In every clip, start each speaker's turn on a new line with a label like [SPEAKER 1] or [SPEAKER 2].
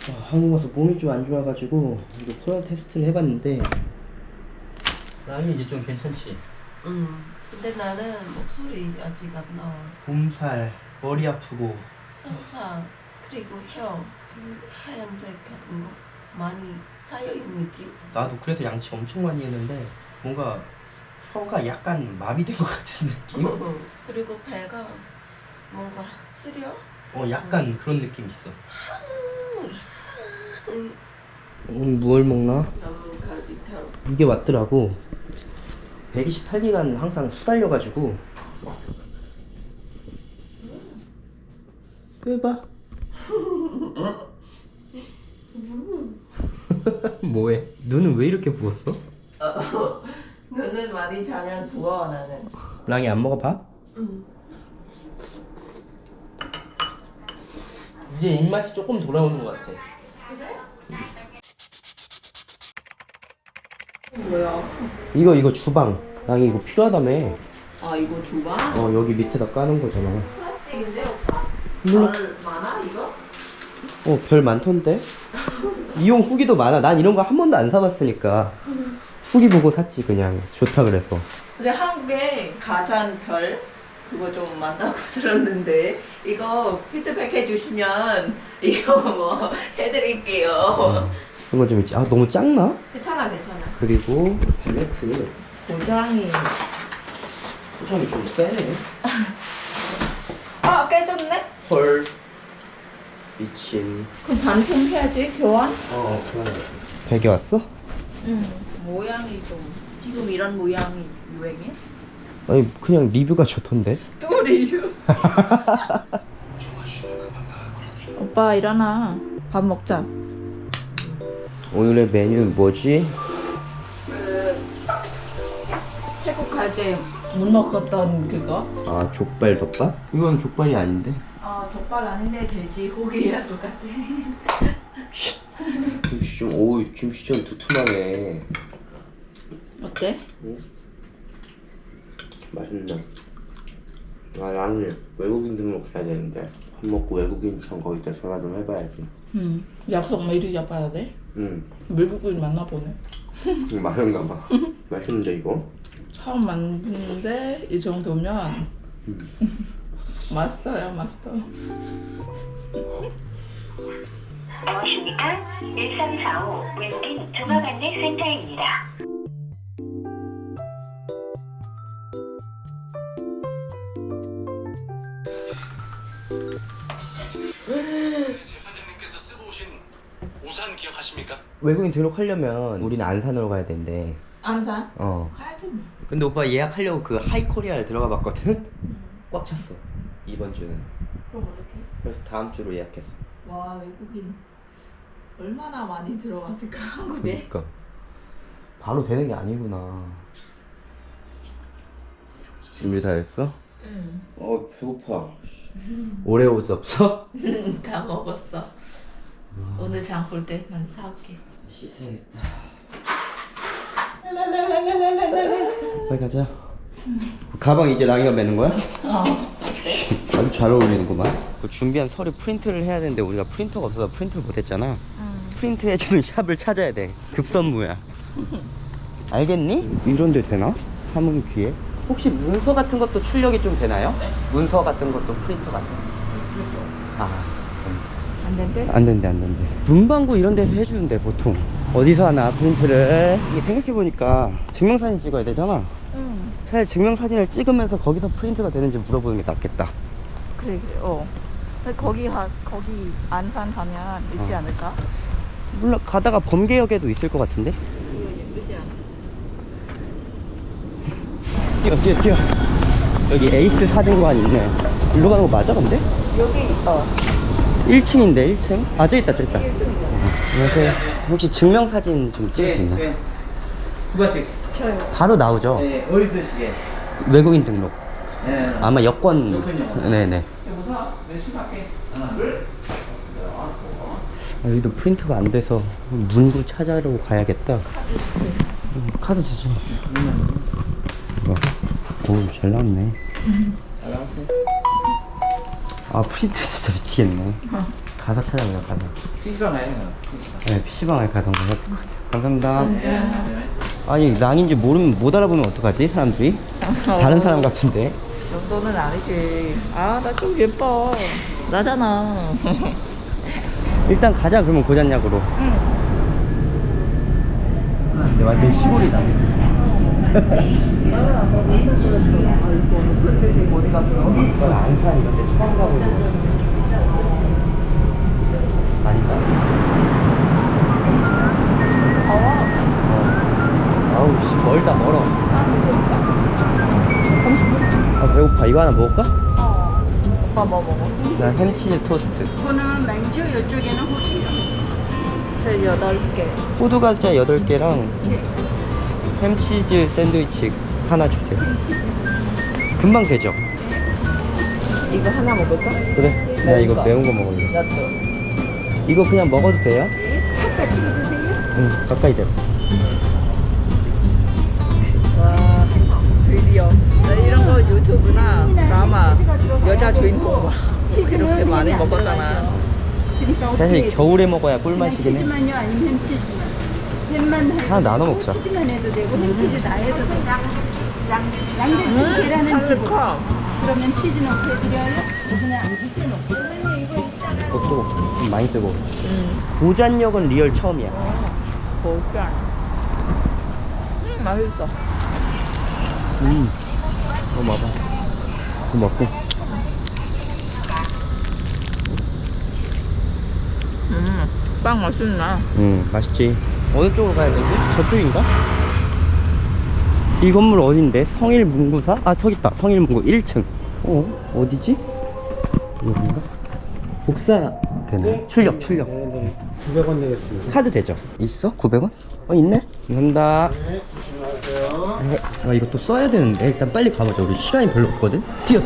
[SPEAKER 1] 한국 와서 몸이 좀 안 좋아가지고 이거 코로나 테스트를 해봤는데 나는 이제 좀 괜찮지?
[SPEAKER 2] 근데 나는 목소리 아직 안 나와.
[SPEAKER 1] 몸살, 머리 아프고
[SPEAKER 2] 설사 그리고 혀, 그 하얀색 같은 거 많이 쌓여있는 느낌?
[SPEAKER 1] 나도 그래서 양치 엄청 많이 했는데 뭔가 혀가 약간 마비된 것 같은 느낌?
[SPEAKER 2] 그리고 배가 뭔가 쓰려?
[SPEAKER 1] 약간 그런 느낌 있어. 뭘 먹나?
[SPEAKER 2] 너무 가지터.
[SPEAKER 1] 이게 왔더라고. 128기간 항상 수달려가지고. 빼봐. 뭐해? 눈은 왜 이렇게 부었어?
[SPEAKER 2] 눈은 많이 자면 부어 나는.
[SPEAKER 1] 랑이 안 먹어 밥? 이제 입맛이 조금 돌아오는 것 같아.
[SPEAKER 2] 뭐야?
[SPEAKER 1] 이거 주방. 랑이 이거 필요하다며.
[SPEAKER 2] 아 이거 주방?
[SPEAKER 1] 여기 밑에다 까는 거잖아.
[SPEAKER 2] 플라스틱인데 오빠?
[SPEAKER 1] 물론.
[SPEAKER 2] 별 많아 이거?
[SPEAKER 1] 별 많던데? 이용 후기도 많아. 난 이런 거 한 번도 안 사봤으니까 후기 보고 샀지. 그냥 좋다 그래서.
[SPEAKER 2] 근데 한국에 가전 별 그거 좀 많다고 들었는데 이거 피드백 해주시면 이거 뭐 해드릴게요.
[SPEAKER 1] 이런 거 좀 있지. 너무 작나?
[SPEAKER 2] 괜찮아 괜찮아.
[SPEAKER 1] 그리고 벨레트
[SPEAKER 2] 고장이
[SPEAKER 1] 포장이 좀 세네.
[SPEAKER 2] 깨졌네?
[SPEAKER 1] 헐 미친.
[SPEAKER 2] 그럼 반품해야지 교환?
[SPEAKER 1] 그러네. 베개 왔어?
[SPEAKER 2] 응. 모양이 좀 지금 이런 모양이 유행해?
[SPEAKER 1] 아니 그냥 리뷰가 좋던데.
[SPEAKER 2] 또 리뷰. 오빠 일어나. 밥 먹자.
[SPEAKER 1] 오늘의 메뉴는 뭐지?
[SPEAKER 2] 태국 갈 때 못 먹었던 그거?
[SPEAKER 1] 족발 덮밥? 이건 족발이 아닌데.
[SPEAKER 2] 족발 아닌데 돼지고기랑 똑같아.
[SPEAKER 1] 김치 좀 두툼하네.
[SPEAKER 2] 어때?
[SPEAKER 1] 맛있네. 나는 외국인 등록 해야 되는데 밥 먹고 외국인처럼 거기다 전화 좀 해봐야지.
[SPEAKER 2] 약속 미리 잡아야 돼? 외국인 만나보네.
[SPEAKER 1] 맛있나 봐. 맛있는데 이거?
[SPEAKER 2] 처음 만드는데 이 정도면 맛있어요, 맛있어.
[SPEAKER 3] 안녕하십니까? 1345 외국인 종합안내센터입니다.
[SPEAKER 4] 재판장님께서 쓰고 오신 우산 기억하십니까?
[SPEAKER 1] 외국인 등록하려면 우리는 안산으로 가야 된대.
[SPEAKER 2] 안산?
[SPEAKER 1] 어.
[SPEAKER 2] 가야지 뭐.
[SPEAKER 1] 근데 오빠 예약하려고 그 하이코리아를 들어가 봤거든? 꽉 찼어. 이번 주는.
[SPEAKER 2] 그럼 어떡해?
[SPEAKER 1] 그래서 다음 주로 예약했어.
[SPEAKER 2] 와, 외국인 얼마나 많이 들어왔을까 한국에?
[SPEAKER 1] 그러니까 바로 되는 게 아니구나. 준비 다 했어?
[SPEAKER 2] 응.
[SPEAKER 1] 배고파. 오레오즈 없어?
[SPEAKER 2] 다 먹었어. 오늘 장 볼 때만 사올게.
[SPEAKER 1] 씻어야겠다. 빨리 가자. 가방 이제 랑이가 매는 거야? 아주 잘 어울리는구만. 그 준비한 서류 프린트를 해야 되는데 우리가 프린터가 없어서 프린트를 못했잖아. 프린트 해주는 샵을 찾아야 돼. 급선무야. 알겠니? 이런 데 되나? 사문기에? 혹시 문서 같은 것도 출력이 좀 되나요? 네. 문서 같은 것도 프린터 같은 거.
[SPEAKER 2] 안 된대?
[SPEAKER 1] 안 된대. 문방구 이런 데서 해주는데 보통. 어디서 하나 프린트를. 이게 생각해보니까 증명사진 찍어야 되잖아.
[SPEAKER 2] 응.
[SPEAKER 1] 차라리 증명사진을 찍으면서 거기서 프린트가 되는지 물어보는 게 낫겠다.
[SPEAKER 2] 그래. 근데 거기 안산 가면 있지 않을까?
[SPEAKER 1] 몰라, 가다가 범계역에도 있을 것 같은데?
[SPEAKER 2] 예쁘지 않아?
[SPEAKER 1] 뛰어. 여기 에이스 사진관 있네. 일로 가는 거 맞아 근데?
[SPEAKER 2] 여기
[SPEAKER 1] 1층인데 1층? 저기 있다. 안녕하세요. 혹시 증명사진 좀 찍을 수 있나?
[SPEAKER 4] 네. 누가 찍으세요?
[SPEAKER 2] 저요.
[SPEAKER 1] 바로 나오죠?
[SPEAKER 4] 네, 어디서 시게?
[SPEAKER 1] 외국인 등록.
[SPEAKER 4] 네.
[SPEAKER 1] 아마 여권.
[SPEAKER 4] 여권이요?
[SPEAKER 1] 네네.
[SPEAKER 4] 여보세요? 몇 시밖에?
[SPEAKER 1] 여기도 프린트가 안 돼서 문구 찾아러 가야겠다. 카드 주세요. 오, 잘 나왔네.
[SPEAKER 4] 잘 나왔어요?
[SPEAKER 1] 프린트 진짜 미치겠네. 가서 찾아보자, 가서.
[SPEAKER 4] PC방 가야 되나?
[SPEAKER 1] 네, PC방에 가던가 해야 될 것 같아요. 감사합니다. 아니, 랑인지 모르면 못 알아보면 어떡하지, 사람들이? 다른 사람 같은데.
[SPEAKER 5] 그 정도는 아니지. 아, 나 좀 예뻐. 나잖아.
[SPEAKER 1] 일단 가자, 그러면 고잔약으로.
[SPEAKER 5] 응.
[SPEAKER 1] 근데 완전 시골이다.
[SPEAKER 5] 어디 갔어?
[SPEAKER 1] 이건 안산 이런 데 처음 가보는 거 아닌가? 아우 씨 멀다 멀어. 30분? 아 배고파. 이거 하나 먹을까?
[SPEAKER 5] 오빠 뭐 먹어?
[SPEAKER 1] 나 햄치즈 토스트.
[SPEAKER 2] 이거는 맥주, 이쪽에는 호주요.
[SPEAKER 5] 저 8개.
[SPEAKER 1] 호두 과자 8개랑 햄치즈 샌드위치 하나 주세요. 금방 되죠?
[SPEAKER 5] 이거 하나 먹을까?
[SPEAKER 1] 그래. 나 이거 매운 거 먹을래.
[SPEAKER 5] 나도.
[SPEAKER 1] 이거 그냥 먹어도 돼요? 응, 가까이 대.
[SPEAKER 5] 와, 드디어. 나 이런 거 유튜브나 드라마 여자 주인공 막 이렇게 많이 먹었잖아.
[SPEAKER 1] 사실 겨울에 먹어야 꿀맛이긴 해.
[SPEAKER 2] 치즈만요, 아니면 햄치즈만. 햄만 해.
[SPEAKER 1] 하나 나눠 먹자.
[SPEAKER 2] 치즈만 해도 되고 햄치즈 다 해도 되고. 양배추 계란은 치즈.
[SPEAKER 5] 커.
[SPEAKER 2] 그러면 치즈 넣고 해드려요? 그냥 양배추 넣고.
[SPEAKER 1] 그것도 좀 많이 뜨고. 고잔역은 리얼 처음이야.
[SPEAKER 5] 고기야. 맛있어.
[SPEAKER 1] 이거 먹어. 이거 먹고.
[SPEAKER 5] 빵 맛있네.
[SPEAKER 1] 맛있지. 어느 쪽으로 가야 되지? 저쪽인가? 이 건물 어딘데? 성일문구사? 아 저기 있다. 성일문구 1층. 어디지? 여긴가? 복사 되네. 출력.
[SPEAKER 6] 네네. 900원 되겠습니다.
[SPEAKER 1] 카드 되죠? 있어? 900원? 있네? 감사합니다.
[SPEAKER 6] 네, 조심하세요.
[SPEAKER 1] 네. 아 이거 또 써야 되는데 일단 빨리 가보자. 우리 시간이 별로 없거든? 뛰어.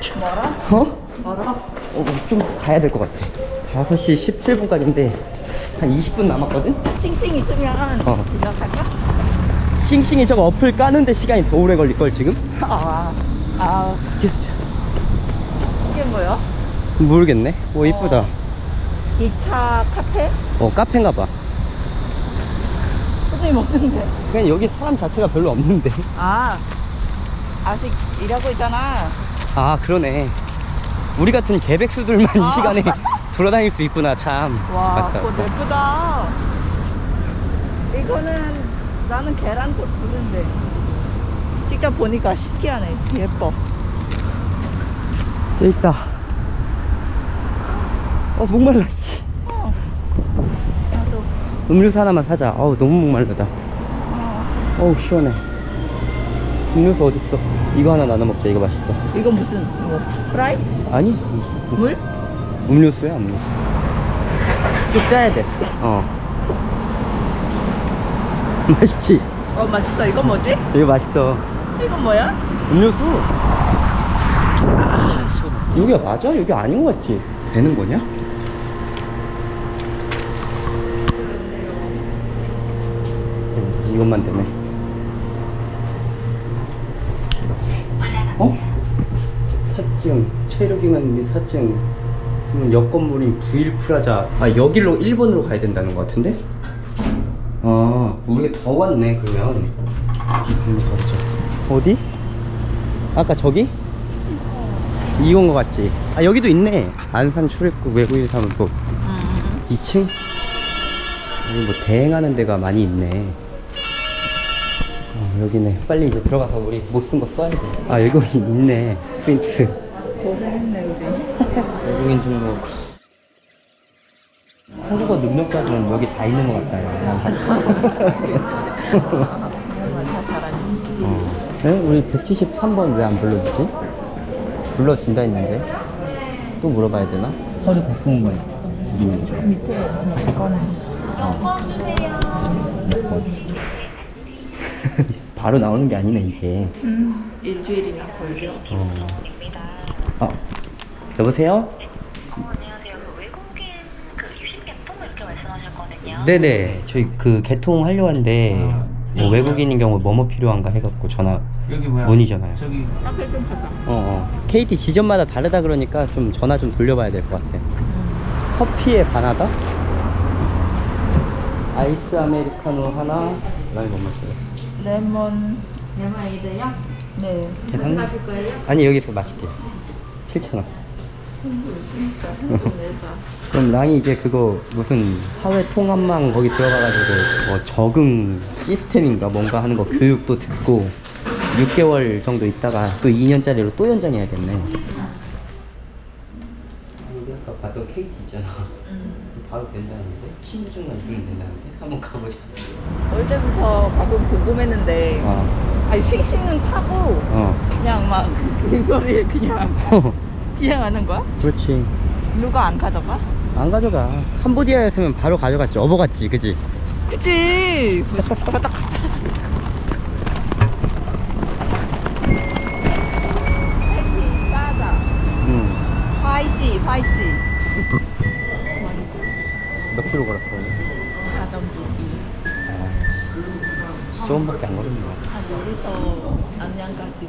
[SPEAKER 5] 뭐라?
[SPEAKER 1] 좀 가야 될 것 같아. 5시 17분까지인데 한 20분 남았거든?
[SPEAKER 5] 싱싱 있으면 그냥 갈까?
[SPEAKER 1] 싱싱이 저거 어플 까는데 시간이 더 오래 걸릴걸 지금?
[SPEAKER 5] 이게 뭐야?
[SPEAKER 1] 모르겠네. 오 이쁘다.
[SPEAKER 5] 2차 카페?
[SPEAKER 1] 카페인가봐.
[SPEAKER 5] 선생님 없는데.
[SPEAKER 1] 그냥 여기 사람 자체가 별로 없는데.
[SPEAKER 5] 아직 일하고 있잖아.
[SPEAKER 1] 아 그러네. 우리 같은 개백수들만 이 시간에 돌아다닐 수 있구나 참.
[SPEAKER 5] 와,
[SPEAKER 1] 맞다.
[SPEAKER 5] 그거 예쁘다. 이거는 나는 계란꽃 부른데 직접 보니까 신기하네. 예뻐.
[SPEAKER 1] 저기 있다. 목말라 씨.
[SPEAKER 5] 나도.
[SPEAKER 1] 음료수 하나만 사자. 너무 목말르다. 시원해. 음료수 어딨어? 이거 하나 나눠 먹자. 이거 맛있어.
[SPEAKER 5] 이거 무슨 스프라이트?
[SPEAKER 1] 아니
[SPEAKER 5] 물?
[SPEAKER 1] 음료수야 음료수. 쭉 짜야 돼. 맛있지?
[SPEAKER 5] 맛있어. 이건 뭐지?
[SPEAKER 1] 이거 맛있어.
[SPEAKER 5] 이건 뭐야?
[SPEAKER 1] 음료수. 여기가 맞아? 여기 아닌 것 같지? 되는 거냐? 이것만 되네. 사증 체류기간 및 사증. 옆 건물인 부일프라자. 여기로 1번으로 가야 된다는 것 같은데? 우리가 더 왔네 그러면. 가보자. 어디? 아까 저기? 이건 것 같지? 여기도 있네. 안산 출입국 외국인 사무소 2층? 여기 뭐 대행하는 데가 많이 있네. 여기네. 빨리 이제 들어가서 우리 못 쓴 거 써야 돼. 여기 있네. 프린트.
[SPEAKER 5] 고생했네 우리.
[SPEAKER 1] 외국인 등록. 한국어 능력자들은 여기 다 있는 것 같아요.
[SPEAKER 5] 다 잘하니.
[SPEAKER 1] 네? 우리 173번 왜 안 불러주지? 불러준다 했는데 또 물어봐야 되나? 서류 갖고 온 거야.
[SPEAKER 5] 밑에 이거는.
[SPEAKER 1] 몇 번? 바로 나오는 게 아니네 이게.
[SPEAKER 5] 일주일이나 걸려.
[SPEAKER 1] 여보세요?
[SPEAKER 3] 안녕하세요. 그 외국인 유심 개통 이렇게 말씀하셨거든요.
[SPEAKER 1] 네네. 저희 그 개통하려고 하는데 뭐 외국인인 경우 뭐뭐 필요한가 해갖고 전화
[SPEAKER 4] 여기 뭐야?
[SPEAKER 1] 문의잖아요.
[SPEAKER 4] 저기
[SPEAKER 5] 카페 좀 가자.
[SPEAKER 1] KT 지점마다 다르다 그러니까 좀 전화 좀 돌려봐야 될 것 같아. 커피에 반하다? 아이스 아메리카노 하나. 랑이 뭐 마셔요?
[SPEAKER 5] 레몬.
[SPEAKER 7] 레몬에이드요?
[SPEAKER 5] 네.
[SPEAKER 1] 계산?
[SPEAKER 7] 하실 거예요?
[SPEAKER 1] 아니 여기서 마실게요. 7,000원.
[SPEAKER 5] 진짜 내자.
[SPEAKER 1] 그럼 랑이 이제 그거 무슨 사회 통합망 거기 들어가가지고 뭐 적응 시스템인가 뭔가 하는 거 교육도 듣고 6개월 정도 있다가 또 2년짜리로 또 연장해야겠네. 우리 아까 봤던 케이크 있잖아. 바로 된다는데? 신분증만 주면 된다는데? 한번 가보자.
[SPEAKER 5] 어릴 때부터 가끔 궁금했는데 아니 씩씩은 타고 그냥 막 그거를 그냥 하는 거야?
[SPEAKER 1] 그렇지.
[SPEAKER 5] 누가 안 가져가?
[SPEAKER 1] 안 가져가. 캄보디아였으면 바로 가져갔지. 업어갔지, 그지?
[SPEAKER 5] 그치. 바닥. 파이지 가자.
[SPEAKER 1] 응.
[SPEAKER 5] 파이지.
[SPEAKER 1] 몇 킬로 걸었어?
[SPEAKER 5] 4.2.
[SPEAKER 1] 조금밖에 안 걸었네.
[SPEAKER 5] 여기서 안양까지.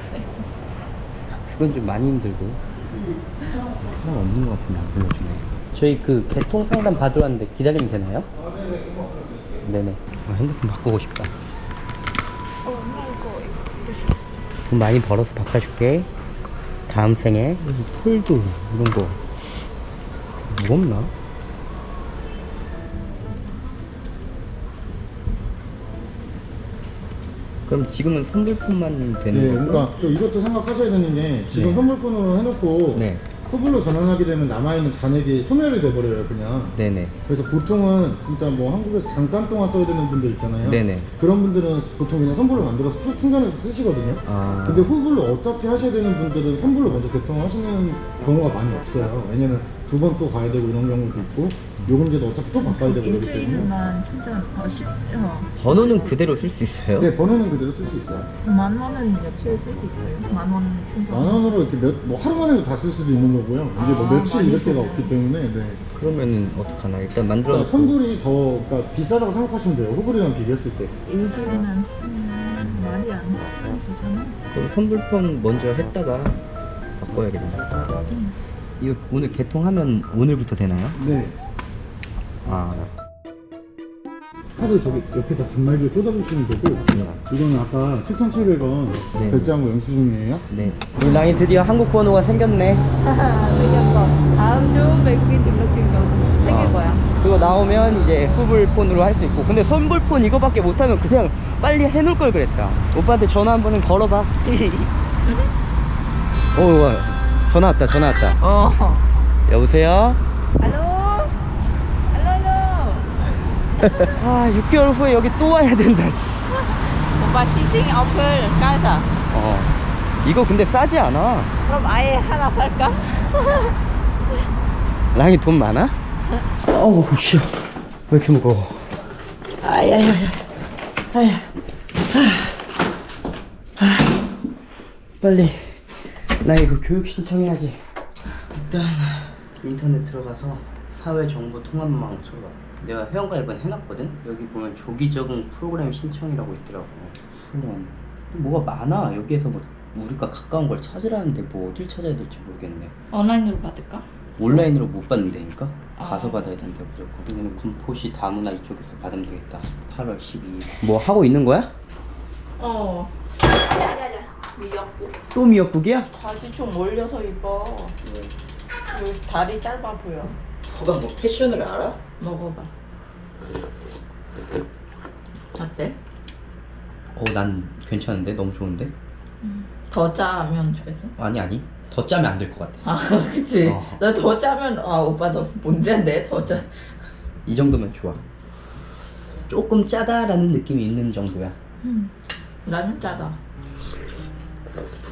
[SPEAKER 1] 그건 좀 많이 힘들고. 사람 없는 것 같은데 안 불러주네. 저희 그 개통 상담 받으러 왔는데 기다리면 되나요? 네네. 핸드폰 바꾸고 싶다. 돈 많이 벌어서 바꿔줄게. 다음 생에 폴드 이런 거 무겁나? 그럼 지금은 선불폰만 되는
[SPEAKER 6] 네,
[SPEAKER 1] 거고?
[SPEAKER 6] 그러니까 또 이것도 생각하셔야 되는 게 지금
[SPEAKER 1] 네.
[SPEAKER 6] 선물권으로 해놓고
[SPEAKER 1] 네.
[SPEAKER 6] 후불로 전환하게 되면 남아있는 잔액이 소멸이 돼버려요 그냥.
[SPEAKER 1] 네네.
[SPEAKER 6] 그래서 보통은 진짜 뭐 한국에서 잠깐 동안 써야 되는 분들 있잖아요.
[SPEAKER 1] 네네.
[SPEAKER 6] 그런 분들은 보통 그냥 선불로 만들어서 쭉 충전해서 쓰시거든요.
[SPEAKER 1] 아.
[SPEAKER 6] 근데 후불로 어차피 하셔야 되는 분들은 선불로 먼저 개통하시는 경우가 많이 없어요. 왜냐면 두 번 또 가야 되고 이런 경우도 있고 요금제도 어차피 또 바꿔야 되고 그러기 때문에.
[SPEAKER 5] 일주일만 충전
[SPEAKER 1] 번호는 그대로 쓸 수 있어요?
[SPEAKER 6] 네, 번호는 그대로 쓸 수 있어요.
[SPEAKER 5] 10,000원은 며칠 쓸 수 있어요? 10,000원 충전.
[SPEAKER 6] 10,000원으로 이렇게 뭐 하루 만에도 다 쓸 수도 있는 거고요. 이게 뭐 며칠
[SPEAKER 5] 많이
[SPEAKER 6] 이렇게가
[SPEAKER 5] 쓰네.
[SPEAKER 6] 없기 때문에. 네.
[SPEAKER 1] 그러면은 어떡하나. 일단 만들어
[SPEAKER 6] 그러니까 선불이 더 그러니까 비싸다고 생각하시면 돼요. 후불이랑 비교했을 때.
[SPEAKER 5] 일주일만 쓰면 말이 안 되잖아.
[SPEAKER 1] 그럼 선불폰 먼저 했다가 바꿔야겠네. 이거 오늘 개통하면 오늘부터 되나요?
[SPEAKER 6] 네.
[SPEAKER 1] 아.
[SPEAKER 6] 카드 저기 옆에다 단말기를 꽂아주시면 되고 이거는 아까 7,700원
[SPEAKER 1] 네.
[SPEAKER 6] 결제한 거 영수증이에요.
[SPEAKER 1] 네. 우리 랑이 드디어 한국 번호가 생겼네.
[SPEAKER 5] 생겼어. 다음 주 외국인 등록증도 생길 거야.
[SPEAKER 1] 그거 나오면 이제 후불폰으로 할 수 있고. 근데 선불폰 이거밖에 못하면 그냥 빨리 해놓을 걸 그랬다. 오빠한테 전화 한 번은 걸어봐. 오, 전화 왔다. 여보세요?
[SPEAKER 5] 알로.
[SPEAKER 1] 아, 6개월 후에 여기 또 와야 된다. 씨.
[SPEAKER 5] 오빠 시싱 어플 깔자.
[SPEAKER 1] 이거 근데 싸지 않아.
[SPEAKER 5] 그럼 아예 하나 살까?
[SPEAKER 1] 랑이 돈 많아? 어우, 씨. 왜 이렇게 무거워? 아야야야. 아야. 빨리. 나 이거 교육 신청해야지. 일단 인터넷 들어가서 사회정보통합망 쳐봐. 내가 회원가입은 해놨거든? 여기 보면 조기 적응 프로그램 신청이라고 있더라고. 그럼 뭐가 많아. 여기에서 뭐 우리가 가까운 걸 찾으라는데 뭐 어딜 찾아야 될지 모르겠네.
[SPEAKER 5] 온라인으로 받을까?
[SPEAKER 1] 온라인으로 못 받는다니까? 가서
[SPEAKER 5] 아.
[SPEAKER 1] 받아야 된다 무조건. 그러면 군포시 다문화 이쪽에서 받으면 되겠다. 8월 12일. 뭐 하고 있는 거야?
[SPEAKER 5] 아니야. 미역국.
[SPEAKER 1] 또 미역국이야?
[SPEAKER 5] 바지 좀 올려서 입어. 그 다리 짧아 보여.
[SPEAKER 1] 너가 뭐 패션을 알아?
[SPEAKER 5] 먹어봐. 어때?
[SPEAKER 1] 난 괜찮은데? 너무 좋은데?
[SPEAKER 5] 더 짜면 좋아해서?
[SPEAKER 1] 아니 더 짜면 안 될 것 같아.
[SPEAKER 5] 아 그치. 너 더 짜면 오빠 너 문제인데 더 짜.
[SPEAKER 1] 이 정도면 좋아. 조금 짜다라는 느낌이 있는 정도야.
[SPEAKER 5] 나는 짜다.